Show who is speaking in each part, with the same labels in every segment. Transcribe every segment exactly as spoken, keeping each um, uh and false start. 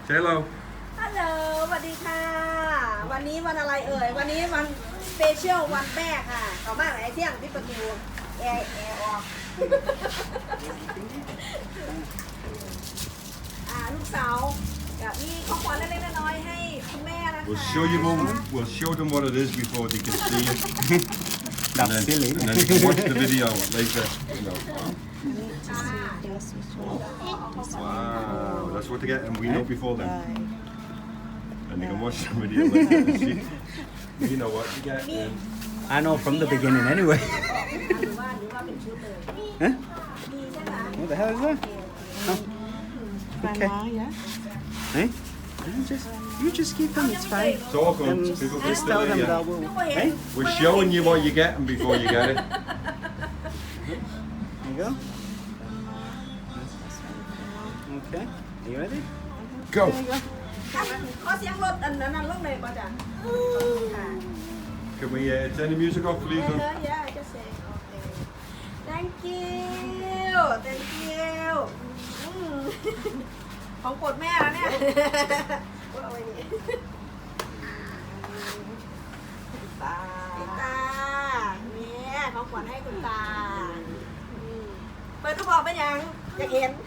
Speaker 1: Hello
Speaker 2: ฮัลโหลสวัสดีค่ะวันนี้วันอะไรเอ่ยวันนี้วันสเปเชียลวันแม่ค่ะต่อมาไหนเที่ยงที่ประตูแอร์แอร์ออกอ่าลูกสาวกับมีของขวัญเล็กๆน้อยๆให้คุณแม่นะคะ
Speaker 1: We'll show you all, we'll show them what it is before they can see it.
Speaker 3: That's
Speaker 1: and, then,
Speaker 3: silly.
Speaker 1: and then you can watch the video later. You know.
Speaker 2: ค่ะ
Speaker 1: Wow, that's what they get, and we know before then. And you can watch the video later and see. You know what you get. Um,
Speaker 3: I know from the beginning anyway.
Speaker 2: หรือว่าหรือว่าเป็นชุดเลย
Speaker 3: Huh?
Speaker 2: มีใช่ไหม
Speaker 3: What the hell is that? Okay. Hey? You just, you just keep them, it's fine.
Speaker 1: talk on.
Speaker 3: Um,
Speaker 1: People can
Speaker 3: just
Speaker 1: still
Speaker 3: tell
Speaker 1: hear
Speaker 3: them
Speaker 1: you.
Speaker 3: that we'll...
Speaker 2: นึกว่าเห็น
Speaker 3: Hey?
Speaker 1: We're showing you what you're getting before you get it.
Speaker 3: There you go. Okay. Are you ready?
Speaker 1: Go.
Speaker 2: ขอเสียงรถอันนั้นลงเลยป่ะจ๊ะค่ะ
Speaker 1: Can we uh, turn the music off, please?
Speaker 2: เอ
Speaker 1: Then?
Speaker 2: อ yeah I just say okay thank you thank you อืมของโปรดแม่แล้วเนี่ยเอาไว้นี่ตาตาเนี่ยของขวัญให้คุณตาอืมเปิดทุกบอกเป็นยังอยากเห็น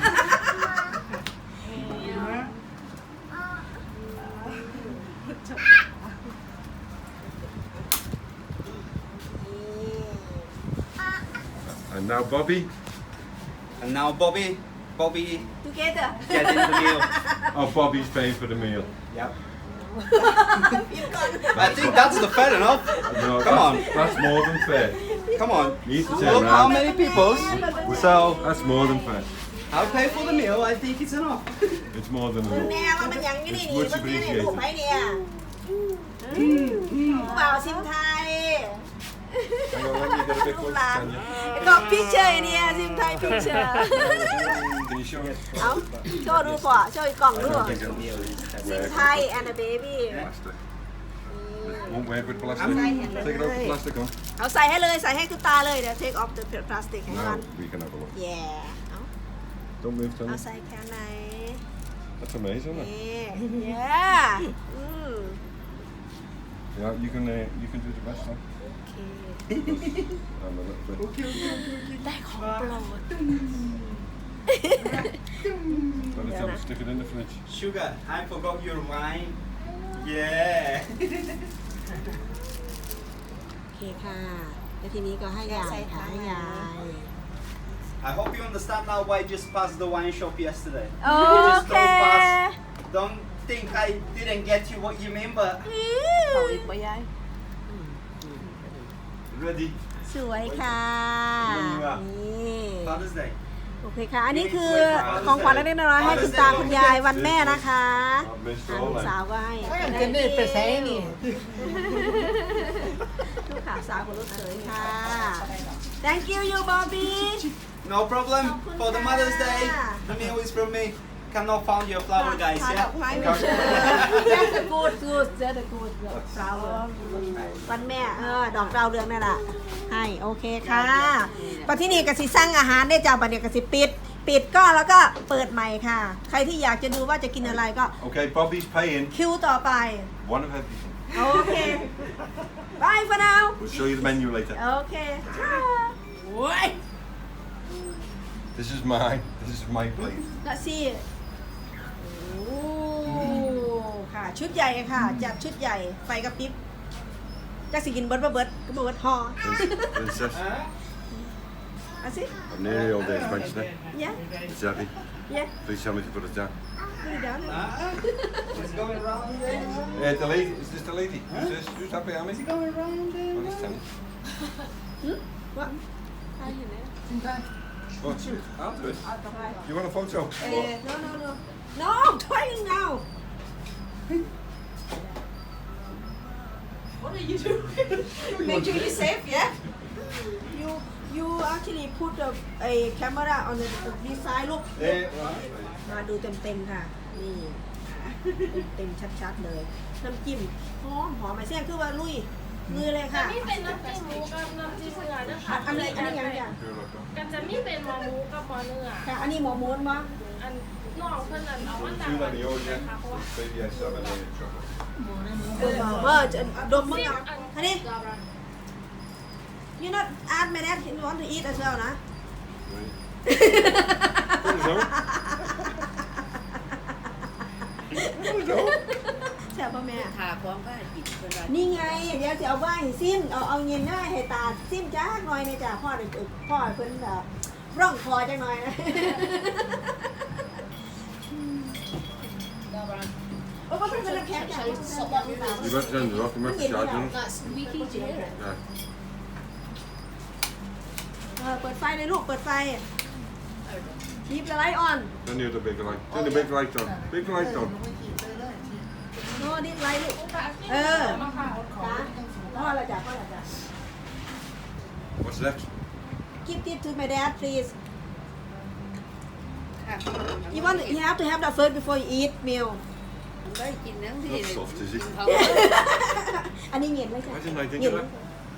Speaker 1: And now Bobby.
Speaker 3: And now Bobby, Bobby,
Speaker 2: together
Speaker 3: get in the meal.
Speaker 1: Oh, Bobby's paying for the meal.
Speaker 3: Yep.
Speaker 2: พิมพ์ก่อน
Speaker 3: I think that's the fair enough.
Speaker 1: No,
Speaker 3: Come
Speaker 1: that's,
Speaker 3: on.
Speaker 1: That's more than fair.
Speaker 3: Come on.
Speaker 1: You need to
Speaker 3: Look
Speaker 1: turn
Speaker 3: how
Speaker 1: around.
Speaker 3: many people. So,
Speaker 1: That's more than fair.
Speaker 3: I'll pay for the meal. I think it's enough.
Speaker 1: It's more than
Speaker 2: มึง
Speaker 1: enough.
Speaker 2: แน่ว่ามันยังนี่นี่
Speaker 1: It's
Speaker 2: นี่
Speaker 1: much
Speaker 2: มันแน่เนี่ยลูก
Speaker 1: appreciated.
Speaker 2: ไผ่เนี่ยผู้บ่าวซิมไทย
Speaker 1: Hang on, let me get a bit
Speaker 2: ลูก
Speaker 1: closer,
Speaker 2: หลาน
Speaker 1: Tanya.
Speaker 2: ก็พิเชอร์เนี่ยซิมไทยพิเชอร์
Speaker 1: Can you show it?
Speaker 2: เอาโชว์ดูก่อนโชว์อีกกล่องดู
Speaker 1: I don't think it'll
Speaker 2: ซิม
Speaker 1: work
Speaker 2: ไทย and a baby
Speaker 1: plastic. Won't work with plastic.
Speaker 2: I'm
Speaker 1: Take
Speaker 2: saying-
Speaker 1: it out the plastic on.
Speaker 2: เอาใส่ให้เลยใส่ให้คุณตาเลยเดี๋ยว take off the plastic ให้มัน
Speaker 1: Now we can have a look.
Speaker 2: yeah เอา
Speaker 1: Don't move,
Speaker 2: เอา
Speaker 1: Tanya.
Speaker 2: ใส่แค่ไหน
Speaker 1: That's amazing, isn't it?
Speaker 2: นี่ yeah อืม
Speaker 1: Yeah, you can uh, you can do the rest then.
Speaker 2: โอเค
Speaker 1: And a little bit.
Speaker 2: ได้ของโปรด
Speaker 1: By the time stick it in the fridge.
Speaker 3: Sugar, I forgot your wine. Yeah.
Speaker 2: โอเคค่ะแล้วทีนี้ก็ให้ยายค่ะให้ยาย
Speaker 3: I hope you understand now why I just passed the wine shop yesterday.
Speaker 2: โอ
Speaker 3: You just
Speaker 2: เค
Speaker 3: don't pass. Don't think I didn't get you what you mean, but
Speaker 2: เขาอีกปะยาย
Speaker 1: Ready?
Speaker 2: สวยค่ะ นี่
Speaker 3: Father's Day.
Speaker 2: โอเคค่ะ อันนี้คือของขวัญเล็กๆน้อยๆให้คุณตาคุณยายวันแม่นะคะ
Speaker 1: I've missed
Speaker 2: อ่า
Speaker 1: all
Speaker 2: ลูก
Speaker 1: then.
Speaker 2: สาวก็ให้
Speaker 4: จะได้ไปใช้นี่
Speaker 2: ลูกสาวของลูกเขยค่ะ thank you you Bobby
Speaker 3: No problem. For the Mother's Day,
Speaker 2: Yeah.
Speaker 3: the meal is from me. Cannot found your flower, guys.
Speaker 2: ทานด
Speaker 3: Yeah.
Speaker 2: อกไม้ไม่ใช่ just a good good just a good flower วันแม่เออดอกดาวเรืองนั่นแหละให้โอเคค่ะปัจจุบันกสิสร้างอาหารได้จากบัดเดี๋ยวกสิปิด ปิดก็แล้วก็เปิดใหม่ค่ะ ใครที่อยากจะดูว่าจะกินอะไรก็
Speaker 1: Okay, Bobby's paying.
Speaker 2: คิวต่อไป
Speaker 1: One of everything.
Speaker 2: โอเค bye for now
Speaker 1: We'll show you the menu later.
Speaker 2: โอเคโอ้ย
Speaker 1: This is mine. This is my plate.
Speaker 2: ละสิโอ้ค่ะ ชุดใหญ่ค่ะ จัดชุดใหญ่ ไฟกระพริบจักสิกินเบิร์ดบ่เบิร์ดก็บ่เบิร์ดฮอ
Speaker 1: Princess.
Speaker 2: อ่ะสิ
Speaker 1: I'm nearly all day French now.
Speaker 2: yeah
Speaker 1: Is that it?
Speaker 2: yeah
Speaker 1: Please tell me to put it down.
Speaker 2: put it down
Speaker 3: It's going around there.
Speaker 1: Yeah, the lady. Is this the lady? Who's this? Who's that behind me?
Speaker 3: It's going around there.
Speaker 1: Oh, it's Tanya.
Speaker 2: what ใครเห็นไหม
Speaker 1: Oh, I'll do it. You want a photo?
Speaker 2: เออ no no no no trying now what are you doing make sure you safe yeah you you actually put a, a camera on the this side look
Speaker 1: Yeah, right.
Speaker 2: มาดูเต็มๆค่ะ นี่เต็มๆชัดๆเลย น้ำจิ้มหอมหอมไหมเสี่ยงคือว่าลุยมือเลยค่ะ
Speaker 5: มีเป็นน้ำจิ้มหมูกับน้ำจิ้มเนื้อนะคะ
Speaker 2: อันนี้อันนี้ยังไง
Speaker 5: กันจะมีเป็นหมอหมูกับหมอเนื้อ
Speaker 2: ค่ะ อันนี้หมูม้วนมั้ง
Speaker 5: อันน้องเพื่อนนั่นเอามาจาก
Speaker 1: Two
Speaker 5: วั
Speaker 1: like
Speaker 5: น
Speaker 1: the
Speaker 5: นี้
Speaker 1: old,
Speaker 5: นะ
Speaker 1: yeah.
Speaker 5: คะเพราะว่า
Speaker 1: Baby has seven in chocolate.
Speaker 2: เออเออจะดมมึงเอาอันนี้ you not ask my dad you want to eat as well นะ
Speaker 1: Right. Zo. Zo.
Speaker 2: แซ่บป่ะแม่
Speaker 4: ขาพร้อมก็กินเวลา
Speaker 2: นี่ไง เดี๋ยวจะเอาไว้ให้ซิมเอาเอาเงินได้ให้ตาซิมจ้าหน่อยนะจ้ะพ่อเด็กพ่อเพิ่นแบบร่องคอจังหน่อยนะโอ้ก็เพิ่นจะแคปจ้ะ
Speaker 1: Je bent zijn er ook met de charger.
Speaker 4: That's squeaky to hear it.
Speaker 1: Ja.
Speaker 2: เออเปิดไฟเลยลูกเปิดไฟคีบไลท์ออน
Speaker 1: Turn the other big light. Turn the big light on. Big light on.
Speaker 2: โน่ดิสไลท์ลูกเออจ้ะพ่อละจ้ะพ่อละจ้ะ
Speaker 1: What's next?
Speaker 2: Give it to my dad please you want you have to have that first before you eat meal
Speaker 4: มันได้กินทั้งที่
Speaker 1: That's soft, is it?
Speaker 4: เขา
Speaker 2: อันนี้เงียบเลยจ้ะ
Speaker 1: Why didn't I think
Speaker 2: เงีย
Speaker 1: of
Speaker 2: บ
Speaker 1: that?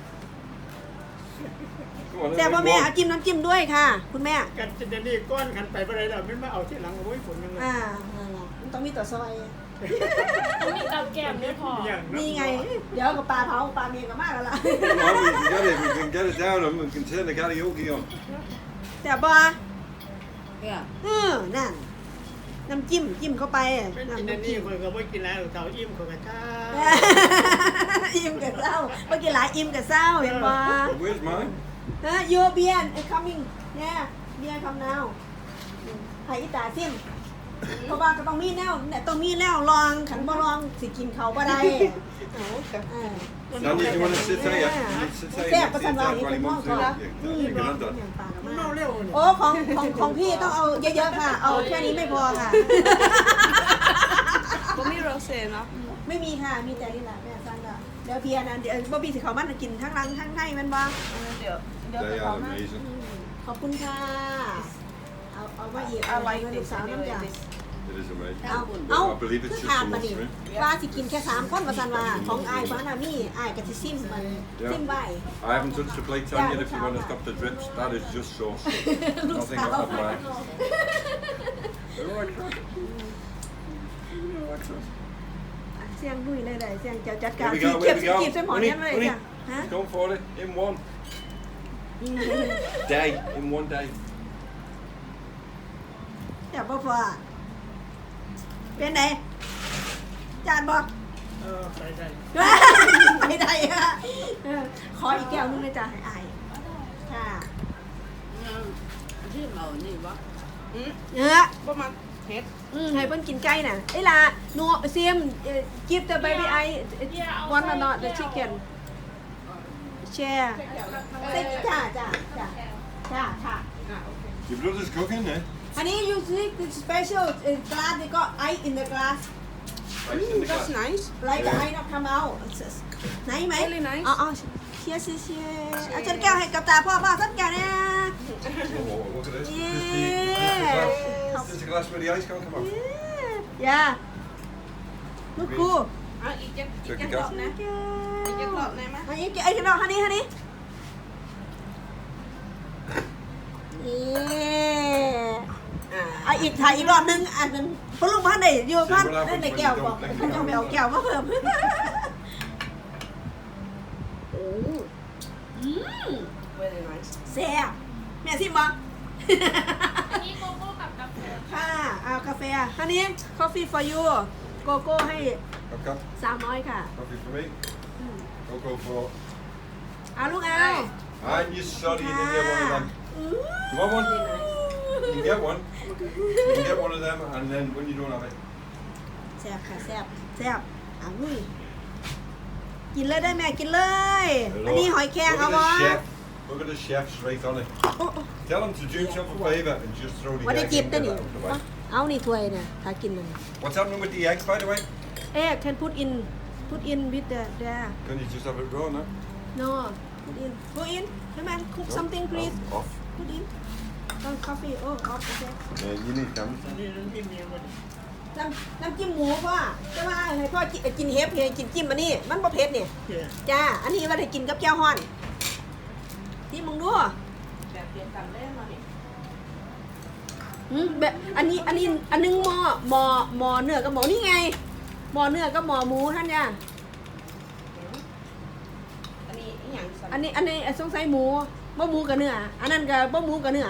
Speaker 1: Come on,
Speaker 2: แต่
Speaker 1: then
Speaker 2: ว่า
Speaker 1: make
Speaker 2: แม่
Speaker 1: one.
Speaker 2: เอาจิ้มน้ำจิ้มด้วยค่ะ คุณแม่
Speaker 6: กันจะเดนี่ก้อนขันไปอะไรเราไม่มาเอาที่หลังโอ้ยฝนยังไง
Speaker 2: อ่านั่นแหละมันต้องมีต่อซอย
Speaker 5: ต้องมีกับแก้มด้วยพอ
Speaker 6: อย่าง
Speaker 2: นี่ไง เดี๋ยวกับปลาเผาปลาเมียกับมากแล้วล่ะ
Speaker 1: Come on, we can get it. We can get it down and we can turn the karaoke on.
Speaker 2: แต่บอ
Speaker 4: เนี่ย
Speaker 2: เออนั่น น้ำจิ้มจิ้มเข้าไป
Speaker 6: เป็นกิน
Speaker 2: น้ำ
Speaker 6: เดนี่
Speaker 2: จิ้ม
Speaker 6: คนก็ไม่กินแล้วเต่าอิ่มคนก็ช้า
Speaker 2: อิ่มกับเศร้าเมื่อกี้หลายอิ่มกับเศร้าเห็นบอ
Speaker 1: But where's mine?
Speaker 2: เออโยเบียน coming เนี่ยเบียร์คำนาวไผ่อีตาซิมเพราะว่าก็ต้องมีแนวเนี่ยต้องมีแนวลองขันบ่ลองสิกินเขาบ่ได้เอาเออ
Speaker 1: Sandy, do you want to sit there? Yeah. You sit there.
Speaker 2: แซ่บ
Speaker 1: You
Speaker 2: ประ
Speaker 1: sit
Speaker 2: สันว่า
Speaker 1: there
Speaker 2: นี่
Speaker 1: while
Speaker 2: เป็
Speaker 1: he
Speaker 2: นห้อง
Speaker 1: moves
Speaker 2: ก่อน
Speaker 1: around. Yeah,
Speaker 2: อืม
Speaker 1: you can have
Speaker 2: อ
Speaker 1: that.
Speaker 2: ย่างปลากับ
Speaker 6: มัน
Speaker 2: มา
Speaker 6: เน่าเร็วเนี่ย
Speaker 2: โอ้ของของของพี่ต้องเอาเยอะๆค่ะ เอาแค่นี้ไม่พอค่ะ
Speaker 4: ก็มีโรเซ่เนาะ
Speaker 2: ไม่มีค่ะ มีแต่นี่แหละแม่สั่งละเดี๋ยวเบียร์นะเดี๋ยวบ๊อบบี้สิเขามันกินทั้งรังทั้งในมันบ้าง
Speaker 4: เดี๋ยวเดี๋ยว
Speaker 1: They
Speaker 4: ไปเอา
Speaker 1: are
Speaker 4: มา
Speaker 1: amazing.
Speaker 2: ขอบคุณค่ะ เอาเอามาอีกเอาไว้ลูกสาวน้ำจ่า
Speaker 1: It is amazing.
Speaker 2: เอาเอา
Speaker 1: I believe
Speaker 2: คื
Speaker 1: it's
Speaker 2: อ
Speaker 1: just
Speaker 2: ถาม
Speaker 1: so
Speaker 2: มา
Speaker 1: much
Speaker 2: ดิ
Speaker 1: for me.
Speaker 2: ว่าสิกินแค่สามคนมาสันว่าของอายฟ้านามีอายกับสิซิมมันซิมไว้
Speaker 1: I haven't touched the plate on yet if you want to stop the drips. That is just sauce.
Speaker 2: ลูก
Speaker 1: Nothing
Speaker 2: สาว
Speaker 1: off mine. Alright, right. Alright, right.
Speaker 2: เสียงดุยเลยเลยเสียงเจ้าจัดการ
Speaker 1: Here we
Speaker 2: สี
Speaker 1: go,
Speaker 2: เก็บ
Speaker 1: here we
Speaker 2: สี
Speaker 1: go.
Speaker 2: เก็บใส่หมอน
Speaker 1: Honey,
Speaker 2: ยันเลย
Speaker 1: honey.
Speaker 2: จ้ะฮะ
Speaker 1: Go for it. In one day. In one day.
Speaker 2: เดี๋ยวพ่อพ่อเป็นไงจานบอก
Speaker 6: เออใส่ใส่
Speaker 2: ไม่ได้อะเออขออีกแก้วนึงเลยจ้ะให้อายค่ะ
Speaker 4: ชื่อเรานี่วะ
Speaker 2: เนื้อ
Speaker 4: ประมาณเฮ็ด
Speaker 2: อืมให้เพิ่นกินไก่น่ะไอ้ล่ะหนูเซียมกิฟต์ the baby I want or not the chicken share ใส่จ้าจ้าจ้าจ้าค่ะ
Speaker 1: Your brother's cooking, eh?
Speaker 2: อันนี้ you see the special uh, glass they got ice in the glass
Speaker 1: Right in the
Speaker 4: that's
Speaker 1: glass.
Speaker 4: nice
Speaker 2: like the ice not come out ไหนไหม
Speaker 4: Really nice
Speaker 2: อ๋อเชียร์เชียร์เชียร์อาจารย์แก้วให้กับตาพ่อพ่อสักแก้วเนี่ย
Speaker 1: Oh, look at this.
Speaker 2: Yeah.
Speaker 1: This is the glass where the ice can't come out.
Speaker 2: ย่าลูกกู
Speaker 4: เอาอีกจะอีก
Speaker 1: Check
Speaker 4: จะ
Speaker 1: the
Speaker 4: กรอบ
Speaker 1: gas.
Speaker 4: นะอีกจะกรอบนะมั้ย
Speaker 2: อันนี้ไอ้กันเอาฮันนี่ฮันนี่อ่ะอีกถ่ายอีกรอบนึงอันนึงพลุงพันได้อยู่พันได้ในแก้วบอกพันจะไปเอาแก้วมาเพิ่ม
Speaker 4: very nice
Speaker 2: แซ่บแม่ซิมบอก
Speaker 5: อันนี้โกโก้กับกาแฟ
Speaker 2: ค่ะเอากาแฟฮันนี่ coffee for you โกโก้ให้
Speaker 1: Okay.
Speaker 2: สามร้อยค่ะ
Speaker 1: Coffee for me. Go go for.
Speaker 2: เอาลูกเอา
Speaker 1: And you sorry you didn't get one of them. You want one? You can get one. You can get one of them, and then when you don't have it,
Speaker 2: แซ่บค่ะแซ่บแซ่บอ่ะมุ้ยกินเลยได้แม่กินเลย อันนี้หอยแครง
Speaker 1: look
Speaker 2: เอา
Speaker 1: at
Speaker 2: วะ
Speaker 1: the chef. Look at the chef straight on it.
Speaker 2: โอ้โอ้
Speaker 1: Tell him to do himself a favour and just throw the
Speaker 2: วันนี้
Speaker 1: egg
Speaker 2: จิบ
Speaker 1: in
Speaker 2: ตัว
Speaker 1: there
Speaker 2: นี้
Speaker 1: out of the way.
Speaker 2: เอานี่ถ้วยเนี่ยถ้ากินมัน
Speaker 1: What's happening with the eggs, by the way?
Speaker 2: เอ๊ะ can put in put in with the there
Speaker 1: Can you just have it raw now?
Speaker 2: no put in put in hey man cook something please
Speaker 1: Off. off.
Speaker 2: put in oh coffee oh off okay
Speaker 1: Yeah, you need cameras.
Speaker 6: อันนี้น้ำจิ้มเนี่ยมัน
Speaker 2: น้ำน้ำจิ้มหมูพ่อจะว่าให้พ่อกินกินเฮฟเฮกินจิ้มอันนี้มันบ่เผ็ดเนี่ย
Speaker 6: เกี่ย
Speaker 2: จ้าอันนี้ว่าให้กินกับแก้วฮ้อนที่มึงดู
Speaker 4: แบบเดียวกันเลยมาดิ
Speaker 2: นหืมแบบอันนี้อันนี้อันนึงหมอหมอหมอเนื้อกับหมอนี่ไงหมอเนื้อกับหมอหมูท่านเนี่ย
Speaker 4: อันนี้อหย่างสัน
Speaker 2: อันนี้อันนี้สงสัยหมูบ่หมูกับเนื้ออันนั้นก็บ่หมูกับเนื้อ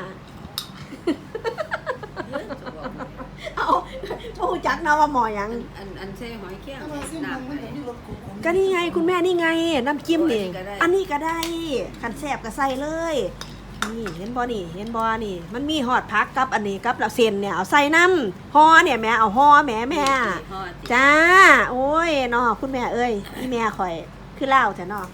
Speaker 2: เอาบ่รู้จักนะว่าหมอหยัง
Speaker 4: อันอันใส่หอยแก้ว
Speaker 6: ถ้ามาซิมมันมันมีรสขม
Speaker 2: ก็นี่ไงคุณแม่นี่ไงน้ำจิ้มนี่
Speaker 4: อั
Speaker 2: อัน
Speaker 4: นนี้
Speaker 2: นี้
Speaker 4: ก็
Speaker 2: ก็
Speaker 4: ได้
Speaker 2: ได้ขันแซ่บก็ใส่เลยนี่เห็นบ่นี่เห็นบ่นี่ มันมีหอดพักกับอันนี้กับเราเส้นเนี่ยเอาใส่น้ำห่อเนี่ยแม่เอาห่อแม่แม่
Speaker 4: ห่อติ
Speaker 2: จ้าโอ้ยเนาะคุณแม่เอ้ยนี่แม่ข่อยคือเล่าแต่เนาะ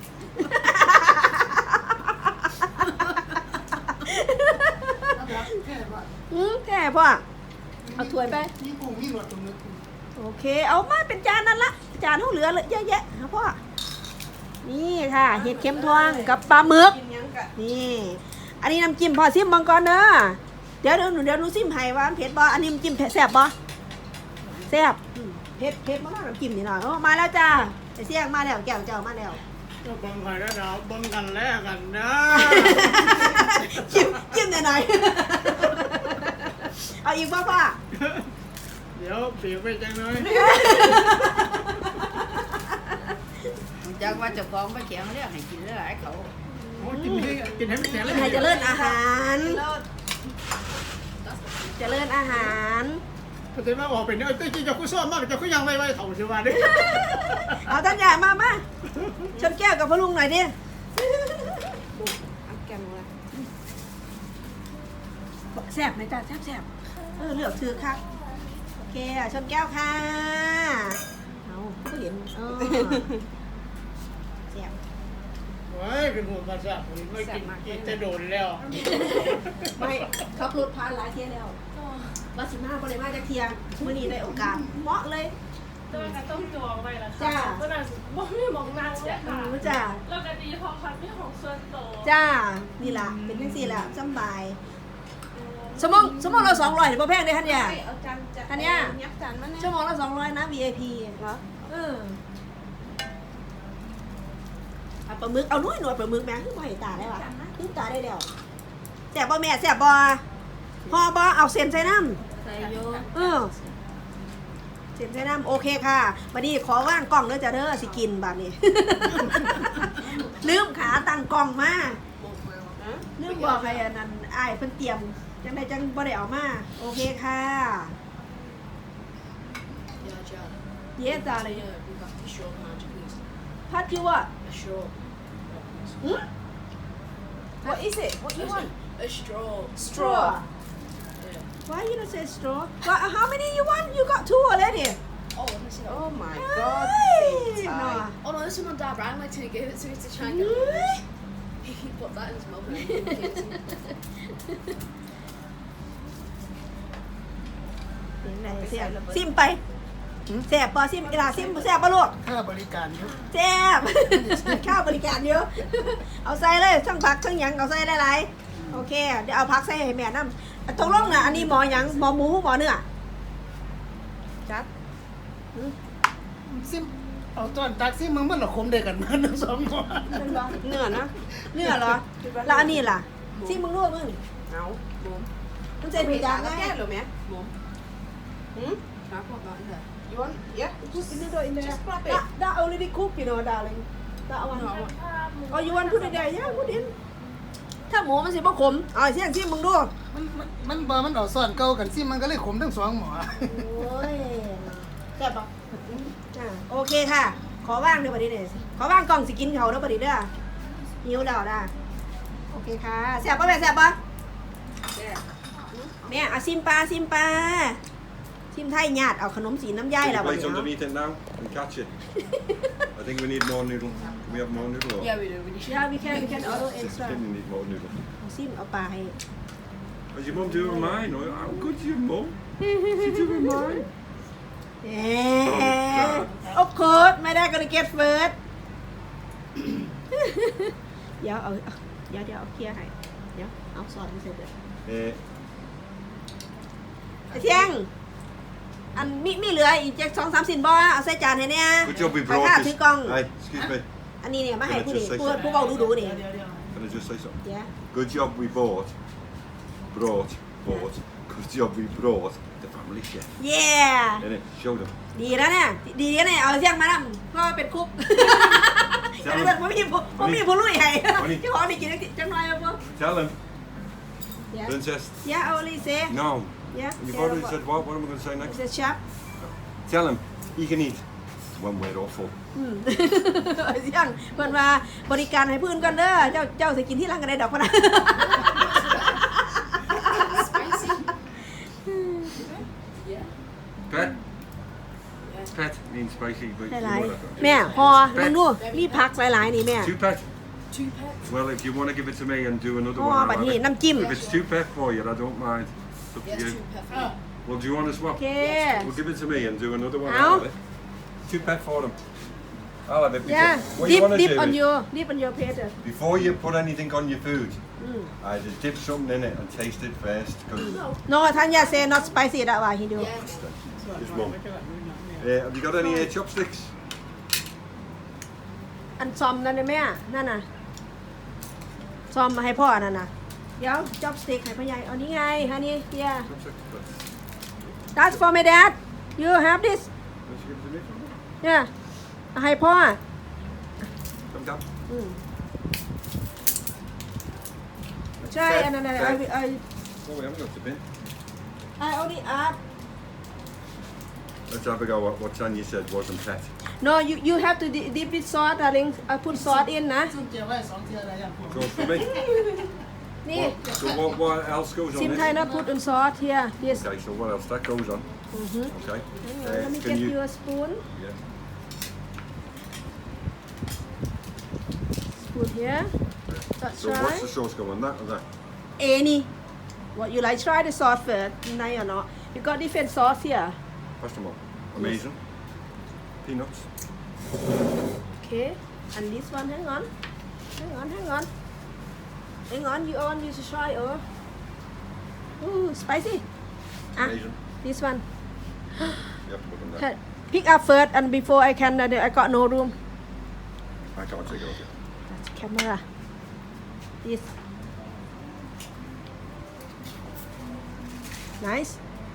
Speaker 6: แค่ว่า
Speaker 2: อืมแค่พ่อเอาถ้วยไป
Speaker 6: มีกุ้งมีรสตรงนี้
Speaker 2: โอเค เอามาเป็นจานนั่นละจานเท่าเหลือเลยเยอะแยะครับพ่อนี่ค่ะเห็ดเข็มทองกับปลาหมึก
Speaker 4: กินหยังกะ
Speaker 2: นี่ อันนี้น้ำจิ้มพอซิมบังก่อนเด้อเดี๋ยวเดี๋ยวหนูเดี๋ยวหนูซิมให้ว่ามันเผ็ดบ่อันนี้น้ำจิ้มเผ็ดแซ่บบ่แซ่บอืมเผ็ดเผ็ดมากน้ำจิ้มนี่หน่อยโอ้มาแล้วจ้าไอ้เสี่ยงมาแล้วแก้วเจ้ามาแล้ว
Speaker 6: ก็บังไฟแล้วเราบังกันแล้วกันนะ
Speaker 2: จิ้มจิ้มหน่อยๆเอาอีกบ่พ่อ
Speaker 6: เดี๋ยวเปียกไปจังเลย
Speaker 4: จักว่าเจ้าของบ่แข็งเรียกให้กินหลายๆเขา
Speaker 6: โอ้กินให้กินให้ไม่แข็งเลย
Speaker 2: ให้เจริญอาหารเจริญอาหาร
Speaker 6: ก็จะมาบอกเป็นเนี่ยเจ้าจะคุยซ้อมมากจะคุยยังไวๆเถ่าเสียวาดิ
Speaker 2: เอาท่านใหญ่มามาชนแก้วกับพ่อลุงหน่อยดิ
Speaker 4: เอาแก้มมา
Speaker 2: แซ่บไหมจ้าแซ่บแซ่บเออเลือกถือครับโอเคอ่ะชนแก้วค่ะเอาก็เห็นเออแซ่บ
Speaker 6: โอ้ยเป็นหัวภาษาผมไม่กินกินจะโดนแล้ว
Speaker 2: ไม่ขับรถผ่านหลายเที่ยแล้ววัดสิบห้าบริมาจากเที่ยงมื่อนี้ได้โอกาสเหมาะเลย
Speaker 5: ตัวก็ต้องจองไว้ละ
Speaker 2: จ้า
Speaker 5: ค่ะเมื่อนั้นบ่มีหมองนั่งเลยค่ะ
Speaker 2: รู้จ้า
Speaker 5: แล้วก็ดีพอคันที่ของส่วนโตว
Speaker 2: จ้านี่ล่ะเป็นจังซี่ล่ะสำบายสมองสมองเราสองร้อยเดี๋ยวพ่อแพงได้ท่านเนี่ย
Speaker 4: เอาจานจะ
Speaker 2: อันเนี้ย
Speaker 4: ยับจานมาเนี่ย
Speaker 2: ชั่วโมงละสองร้อยนะ วี ไอ พี
Speaker 4: เหรอ
Speaker 2: เออเอาปลาหมึกเอาหน่วยหน่วยปลาหมึกแม่คือบ่เห็นตาได้ปะคือตาได้แล้วแซ่บบ่แม่แซ่บบ่พอบ่เอาเส้นใส่น้ำ
Speaker 4: ใส่โย
Speaker 2: เออเส้นใส่น้ำโอเคค่ะบัดนี้ขอว่างกล้องเด้อจ้ะเด้อสิกินบัดนี้ ลืมขาตั้งกล้องมาลืมบอกให้อันนั้นอ้ายเพิ่นเตรียมจังไดจังบ่ได้เอามาโอเคค่ะ เย้จ้าเลยพัดคิวอ่ะ หืม What is it? What you want?
Speaker 4: A straw
Speaker 2: Straw. Why you don't say straw? But how many you want? You got two already.
Speaker 4: Oh, oh my god.
Speaker 2: Hey,
Speaker 4: Tie.
Speaker 2: no.
Speaker 7: Oh no, this one my dad ran like to give it to me to try and get rid of this. He put that in his mouth and then he gave it to me.
Speaker 2: เสียงไหนเสียงซิมไปแซ่บปอซิมอีหลาซิมแซ่บปะลูก
Speaker 6: ค่าบริการเยอะ
Speaker 2: แซ่บ ข้าวบริการเยอะ เอาใส่เลยทั้งผักทั้งหยังเอาใส่หลายๆโอเคเดี๋ยวเอาผักใส่ให้แม่น้ำตกลงน่ะอันนี้หมอหยังหมอหมูหมอเนื้อจัด
Speaker 6: ซิมเอาตอนตักซิมมึงมันหรอคมเด็กกันมันสองคน
Speaker 2: เนื้อนะเนื้อเหรอแล้วอันนี้ล่ะซิมมึงรู้มึง
Speaker 4: เอาหมุม
Speaker 2: มันจะดูจาง
Speaker 4: ก็
Speaker 2: ไง
Speaker 4: แก้หรือไหมหมุมหืมครับพอก่อนเถอะโยนเยอะ
Speaker 2: Put in the door in there.
Speaker 4: Just grab it.
Speaker 2: That, that already cooked, you know, darling. That one.
Speaker 5: ภาพหมู
Speaker 2: Oh, you want put it there? Yeah, put in. ถ้าหมูมันสิบ่ขมเอาเสียงซิมึงดู
Speaker 6: มันมันมันบ่มันเอาซ่อนเก่ากันซิมันก็เลยขมทั้งสองหมอ
Speaker 2: โอ้ยแซ่บปะอ่าโอเคค่ะ ขอว่างเดี๋ยวบัดนี้เด้อขอว่างกล่องสิกินเขาเด้อบัดนี้เด้อหิวแล้วนะโอเคค่ะแซ่บปะแม่แซ่บปะแม่เอาซิมปลาซิมปลาซิมไทยญาติเอาขนมสีน้ำย่าย
Speaker 1: Put
Speaker 2: แล้ว
Speaker 1: your
Speaker 2: บัด
Speaker 1: plate
Speaker 2: นี้
Speaker 1: underneath it now and catch it. I think we need more noodle. Can we have more noodle? Or?
Speaker 7: Yeah, we do. We do.
Speaker 2: ยาวิแคนวิแคนเอา
Speaker 1: Just
Speaker 2: extra
Speaker 1: Tim, you need more noodle.
Speaker 2: เอาซิมเอาปลาให้
Speaker 1: Is your mum doing mine? Or how good's your mum? She's doing mine.
Speaker 2: เอ๊ะ of course ไม่ได้ก็เลย get first เดี๋ยวเอาเอาเดี๋ยวเดี๋ยวเอาเคลียร์ให้เดี๋ยวเอาซอสมาเสร็จเลย
Speaker 1: Eh,
Speaker 2: ไอ้เที่ยงอันมีมีเหลืออีกจักสองสามสินบ่เอาใส่จานให้เนี่ย
Speaker 1: good job we
Speaker 2: ไปค่ะ
Speaker 1: brought
Speaker 2: ถือ
Speaker 1: this.
Speaker 2: กล้อง
Speaker 1: Hey, excuse me.
Speaker 2: อันนี้เนี่ยมาให้ผู้นี่
Speaker 1: Can I just say
Speaker 2: ผู้
Speaker 1: something?
Speaker 2: ผู้เบาดูดูๆนี่
Speaker 1: Can I just say something?
Speaker 2: เดี๋ยว
Speaker 1: Good job we bought, brought, bought Good job we brought the family chef.
Speaker 2: เย่
Speaker 1: Innit? Show them.
Speaker 2: ดีแล้วเนี่ยดีแล้วเนี่ยเอาเสียงมาแล้วก็เป็นคุกแต่ถ้าผมมีผมผมมีผู้ลุยให้เจ้าของนี่กินจังหน่อยเอาบ่
Speaker 1: Tell them.
Speaker 2: Yeah.
Speaker 1: Princess.
Speaker 2: Yeah, I only say.
Speaker 1: No.
Speaker 2: Yeah.
Speaker 1: You've already said what? What am I going to say next?
Speaker 2: The chef.
Speaker 1: Tell him he can eat when we're all full.
Speaker 2: อืมเสียงเพิ่นว่าบริการให้เพิ่นก่อนเด้อเจ้าเจ้าสิกินที่หลังก็ได้ดอกพุ่นน่ะ
Speaker 7: Spicy. Yeah.
Speaker 1: Pet. Pet means spicy, but
Speaker 2: หลาย
Speaker 1: you know that.
Speaker 2: ๆแม่พอลองดูมีผักหลายๆนี่แม่
Speaker 1: Two pet.
Speaker 7: Two pets.
Speaker 1: Well, if you want to give it to me and do another
Speaker 2: Oh,
Speaker 1: one, I'll
Speaker 2: but
Speaker 1: have
Speaker 2: he-
Speaker 1: it.
Speaker 2: nam chim.
Speaker 1: If it's two pet for you, I don't mind. It's up to
Speaker 7: Yes,
Speaker 1: you.
Speaker 7: two pet for me.
Speaker 1: Well, do you want to swap?
Speaker 2: โอเค
Speaker 1: Well, give it to me and do another one.
Speaker 2: Ow.
Speaker 1: I'll have it. Two pet for them. I'll have it. Because
Speaker 2: yeah
Speaker 1: what you
Speaker 2: dip
Speaker 1: want to
Speaker 2: dip
Speaker 1: do
Speaker 2: on
Speaker 1: is,
Speaker 2: your dip on your plate
Speaker 1: before you put anything on your food,
Speaker 2: Mm.
Speaker 1: either dip something in it and taste it first. Cause
Speaker 2: no ท่านอย่า say not spicy that why he do
Speaker 7: Yes.
Speaker 1: Just mum. Uh, have you got any uh, chopsticks?
Speaker 2: อันซอมนั่นน่ะแม่นั่นน่ะซอมมาให้พ่อนั่นน่ะเดี๋ยวจ็อบสติ๊กให้พ่อใหญ่เอานี่ไงฮะนี่เฮีย
Speaker 1: Chopsticks.
Speaker 2: that's for my dad you have this
Speaker 1: Let's give it to me.
Speaker 2: เนี่ยเอาให้พ่อ
Speaker 1: Come down.
Speaker 2: อืมใช่อันนั้นน่ะไอ้ไอ้
Speaker 1: Oh, we haven't got the bin.
Speaker 2: ไอ้เอาดิอัพ
Speaker 1: Let's have a go at what Tanya said wasn't pet.
Speaker 2: no you you have to di- dip with sauce darling I put sauce in นะ
Speaker 6: ซุ่มเจียวไว้สองเทียอะไรอย่างพวก
Speaker 1: Goes for me.
Speaker 2: นี่
Speaker 1: What, so what, what else goes on
Speaker 2: ซิม
Speaker 1: this?
Speaker 2: ไทย not put on sauce here yes
Speaker 1: Okay, so what else? That goes on.
Speaker 2: Mhm.
Speaker 1: Okay. Uh,
Speaker 2: let me
Speaker 1: can
Speaker 2: get
Speaker 1: you?
Speaker 2: you a spoon
Speaker 1: Yeah.
Speaker 2: spoon here that's
Speaker 1: So what's
Speaker 2: right
Speaker 1: the sauce go on? That or that?
Speaker 2: any what you like try the sauce first nice or not you got different sauce here
Speaker 1: Pass them on. Amazing. Peanuts.
Speaker 2: okay and this one hang on hang on hang on hang on you on you should try oh ooh spicy ah
Speaker 1: Amazing.
Speaker 2: this one
Speaker 1: You have to put them there.
Speaker 2: pick up first and before I can uh, I got no room
Speaker 1: I can't take it off yet.
Speaker 2: that's camera this nice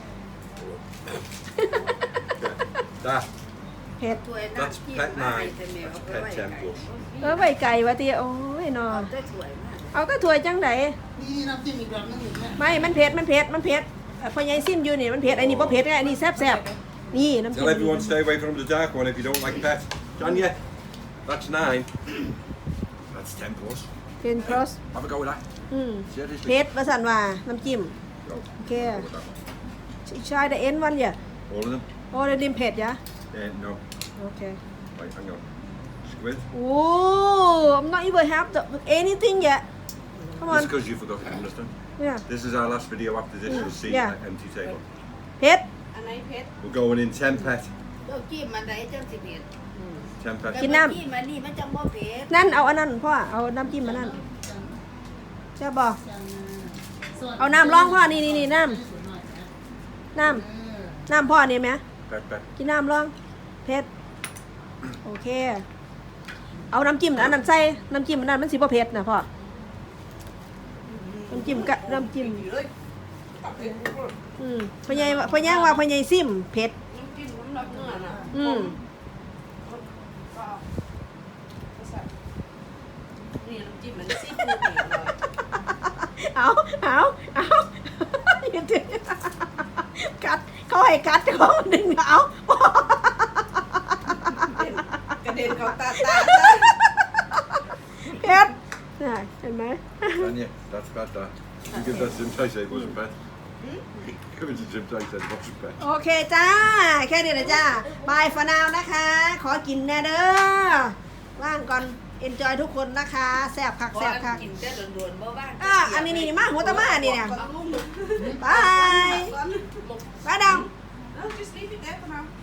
Speaker 1: That.
Speaker 2: เผ็ด
Speaker 7: ถ้วย
Speaker 1: That's
Speaker 7: น้ำจิ้ม
Speaker 1: pet
Speaker 7: มาให้
Speaker 1: nine.
Speaker 7: แต่แมว
Speaker 1: That's
Speaker 7: เอาไป
Speaker 1: pet
Speaker 7: ไว้
Speaker 1: ten
Speaker 7: ไก่
Speaker 1: plus.
Speaker 2: เออไว้ไก่วะเตี้ยโอ้ยนอ
Speaker 7: เอาแต่ถ้วยมา
Speaker 2: เอาก็ถ้วยจังได
Speaker 6: นี่น้ำจิ้มอีกแบบนึงอีกเนี่ย
Speaker 2: ไม่ มันเผ็ด มันเผ็ด มันเผ็ดเอ่อพอยายซิมอยู่นี่ มันเผ็ดไอ้นี่บ่เผ็ดไงไอ้นี่แซ่บแซ่บๆนี่น้ำจิ้ม
Speaker 1: Tell everyone to stay away from the dark one if you don't like pet. Tanya. That's nine. That's ten plus.
Speaker 2: เป็นครอส
Speaker 1: Have a go with that.
Speaker 2: อืม
Speaker 1: Seriously.
Speaker 2: เผ็ดว่าสั่นว่าน้ำจิ้ม
Speaker 1: Go.
Speaker 2: โอเค
Speaker 1: Go with that one.
Speaker 2: ใช่แต่เอ็นวันอย่า
Speaker 1: All of them?
Speaker 2: โอ้เดดิมเผ็ดยะ
Speaker 1: Uh, no.
Speaker 2: โอเค
Speaker 1: Right, hang on. Squid.
Speaker 2: โอ้ I'm not even have the anything yet come on
Speaker 1: It's because you forgot to understand.
Speaker 2: yeah
Speaker 1: This is our last video after this. You'll see
Speaker 2: Yeah.
Speaker 1: an empty table.
Speaker 2: เผ็ด
Speaker 7: อันไหนเผ็ด
Speaker 1: We're going in ten pet.
Speaker 7: เราจิ้มมันไหนจังสิเผ็ด
Speaker 1: ten pet.
Speaker 2: กินน้ำ
Speaker 7: แต่จิ้มมันนี่มันจังบ่เผ็ด
Speaker 2: นั่นเอาอันนั้นพ่อ เอาน้ำจิ้มมานั่นใช่บ่เอาน้ำรองพ่อ นี่นี่นี่น้ำน้ำน้ำพ่อนี่ไหม
Speaker 1: Pet pet.
Speaker 2: กินน้ำรองเผ็ดโอเค เอาน้ำจิ้มอันนั้นใส่น้ำจิ้มอันนั้นมันสิบ่เผ็ดนะพ่อน้ำจิ้มกะน้ำจิ้มอืมพ่อใหญ่ว่าพ่อใหญ่ว่าพ่อใหญ่ซิมเผ็ด
Speaker 7: น้ำจิ้มน้ำรับเนื้อน่ะ
Speaker 2: อืม
Speaker 7: นี่น้ำจิ้มมันซีฟู้ดเองเลย
Speaker 2: เอาเอาเอาอย่าดึงกัดเขาให้กัดเขาดึงเอา
Speaker 7: กระเด็นเขาตาตา
Speaker 2: เผ็ดน่ะเห็นไหม
Speaker 1: Tanya, that's pet that. You give that to Jim Tay, say it wasn't pet. Give it to Jim Tay, say it wasn't pet.
Speaker 2: โอเคจ้า แค่นี้นะจ้าบายฟานาวนะคะ ขอกินแน่เด้อว่างก่อน enjoy ทุกคนนะคะแซ่บคัก
Speaker 7: บ่
Speaker 2: แซ่บคัก
Speaker 7: กินแต่โดนๆบ่ว่าง
Speaker 2: อ่ะอันนี้นี่มาหัวตะมานี่เนี่ย
Speaker 7: เอาลูก
Speaker 2: บายบายดอง
Speaker 7: No, just leave it there for now.